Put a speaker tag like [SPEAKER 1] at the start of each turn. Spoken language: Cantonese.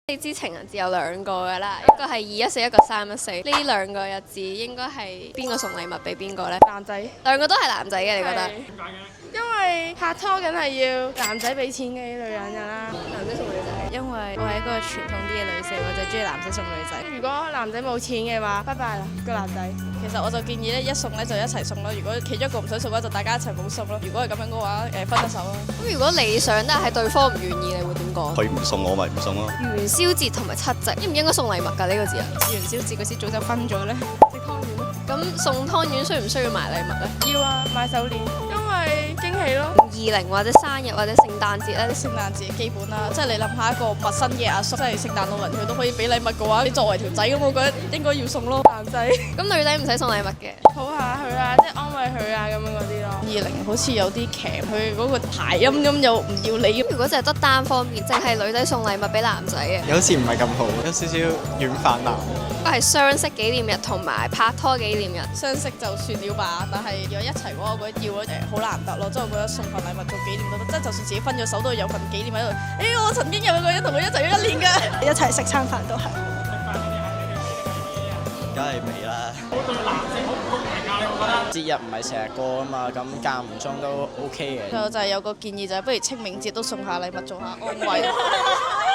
[SPEAKER 1] 你知情人節有兩個㗎啦，一個係214，一個314。呢兩個日子應該係邊個送禮物俾邊個呢？
[SPEAKER 2] 男仔，
[SPEAKER 1] 兩個都係男仔嘅，你覺得？
[SPEAKER 2] 因為拍拖梗係要男仔俾錢嘅女人㗎啦。
[SPEAKER 1] 男仔送女仔，
[SPEAKER 3] 因為我係一個傳統啲嘅女性，我就中意男仔送女仔。
[SPEAKER 2] 如果男仔冇錢嘅話，拜拜啦個男仔。
[SPEAKER 3] 其實我就建議咧，一送咧就一齊送咯。如果其中一個唔想送嘅話，就大家一齊冇送咯。如果係咁樣嘅話，分咗手咯。
[SPEAKER 1] 咁如果你想但係對方唔願意，你會點講？
[SPEAKER 4] 佢唔送我咪唔送咯。
[SPEAKER 1] 元宵節同埋七夕應唔應該送禮物㗎？呢個節日？
[SPEAKER 3] 元宵節嗰時早就分咗咧。
[SPEAKER 2] 食湯圓咯。
[SPEAKER 1] 咁送湯圓需唔需要買禮物呢？
[SPEAKER 2] 要啊，買手鏈，因為驚喜咯。
[SPEAKER 1] 20或者生日或者聖誕節咧，
[SPEAKER 3] 聖誕節基本啦，即係你諗下一個陌生嘅阿叔，即係聖誕老人，佢都可以俾禮物嘅話，你作為條仔咁，我覺得應該要送咯。
[SPEAKER 2] 男仔
[SPEAKER 1] 咁女仔唔使送禮物嘅，
[SPEAKER 2] 抱下佢啊，即係安慰佢啊咁樣嗰啲咯。
[SPEAKER 3] 20好似有啲騎，佢嗰個諧音咁又唔要你。
[SPEAKER 1] 如果淨係得單方面，淨係女仔送禮物俾男仔嘅，
[SPEAKER 5] 有時唔係咁好，有少少軟飯男。
[SPEAKER 1] 都係相識紀念日同埋拍拖紀念日。
[SPEAKER 3] 相識就算了吧，但係如果一齊嘅話，我覺得要好難得咯。即係我覺得送份禮物做紀念都得，即係就算自己分咗手都有份紀念喺度。我曾經有個人同佢一齊咗1年㗎，
[SPEAKER 6] 一齊食餐飯都係。
[SPEAKER 5] 梗係未啦。對男性好唔公平啊！你會覺得節日唔係成日過啊嘛，咁間唔中都 OK 嘅。
[SPEAKER 3] 就係有個建議就係，不如清明節都送下禮物做下安慰。